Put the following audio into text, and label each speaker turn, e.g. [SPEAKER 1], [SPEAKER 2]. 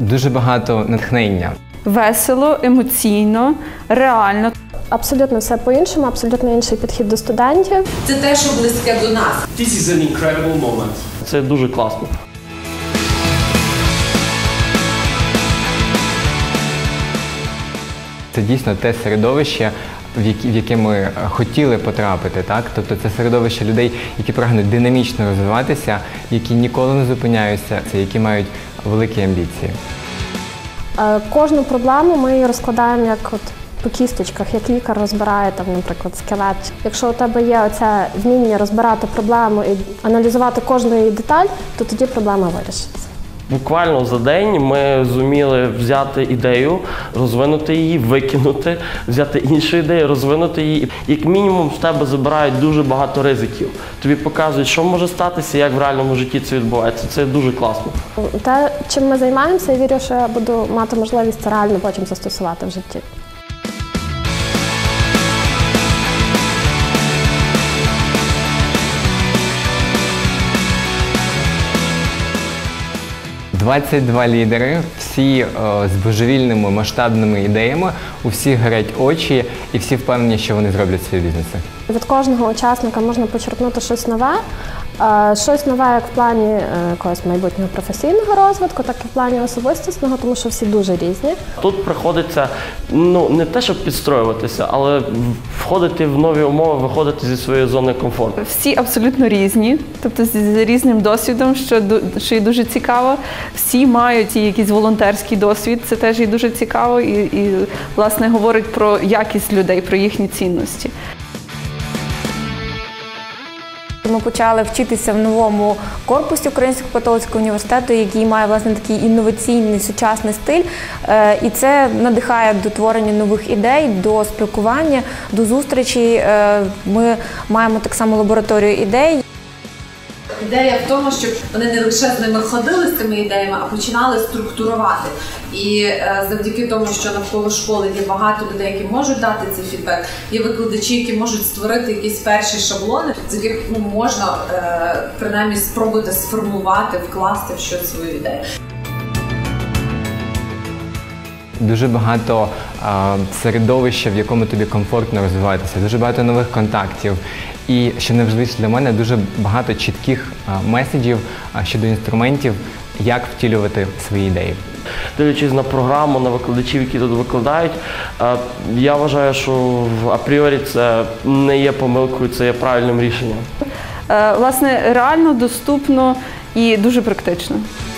[SPEAKER 1] Дуже багато натхнення.
[SPEAKER 2] Весело, емоційно, реально.
[SPEAKER 3] Абсолютно все по-іншому, абсолютно інший підхід до студентів.
[SPEAKER 4] Це те, що близьке до нас.
[SPEAKER 5] This is an incredible moment.
[SPEAKER 6] Це дуже класно.
[SPEAKER 1] Це дійсно те середовище, в яке ми хотіли потрапити, так? Тобто це середовище людей, які прагнуть динамічно розвиватися, які ніколи не зупиняються, які мають великі амбіції.
[SPEAKER 3] Кожну проблему ми її розкладаємо як по кісточках, як лікар розбирає, наприклад, скелет. Якщо у тебе є оце вміння розбирати проблему і аналізувати кожну її деталь, то тоді проблема вирішиться.
[SPEAKER 6] Буквально за день ми зуміли взяти ідею, розвинути її, викинути, взяти іншу ідею, розвинути її. Як мінімум з тебе забирають дуже багато ризиків. Тобі показують, що може статися, як в реальному житті це відбувається. Це дуже класно.
[SPEAKER 3] Те, чим ми займаємося, я вірю, що я буду мати можливість це реально потім застосувати в житті.
[SPEAKER 1] – 22 лідери, всі з божевільними масштабними ідеями, у всіх горять очі і всі впевнені, що вони зроблять свої бізнеси.
[SPEAKER 3] Від кожного учасника можна почерпнути щось нове. Щось нове як в плані якогось майбутнього професійного розвитку, так і в плані особистісного, тому що всі дуже різні.
[SPEAKER 6] Тут приходиться, не те, щоб підстроюватися, але входити в нові умови, виходити зі своєї зони комфорту.
[SPEAKER 2] Всі абсолютно різні, тобто з різним досвідом, що є дуже цікаво. Всі мають і якийсь волонтерський досвід, це теж є дуже цікаво і власне, говорить про якість людей, про їхні цінності.
[SPEAKER 7] Ми почали вчитися в новому корпусі Українського католицького університету, який має, власне, такий інноваційний, сучасний стиль. І це надихає до творення нових ідей, до спілкування, до зустрічей. Ми маємо так само лабораторію ідей.
[SPEAKER 4] Ідея в тому, щоб вони не лише з ними ходили з цими ідеями, а починали структурувати. І завдяки тому, що навколо школи є багато людей, які можуть дати цей фідбек, є викладачі, які можуть створити якісь перші шаблони, з яких можна принаймні спробувати сформувати, вкласти в щось свою ідею.
[SPEAKER 1] Дуже багато середовища, в якому тобі комфортно розвиватися, дуже багато нових контактів. І, що найважливіше для мене, дуже багато чітких меседжів щодо інструментів, як втілювати свої ідеї.
[SPEAKER 6] Дивлячись на програму, на викладачів, які тут викладають, я вважаю, що апріорі це не є помилкою, це є правильним рішенням.
[SPEAKER 2] Власне, реально, доступно і дуже практично.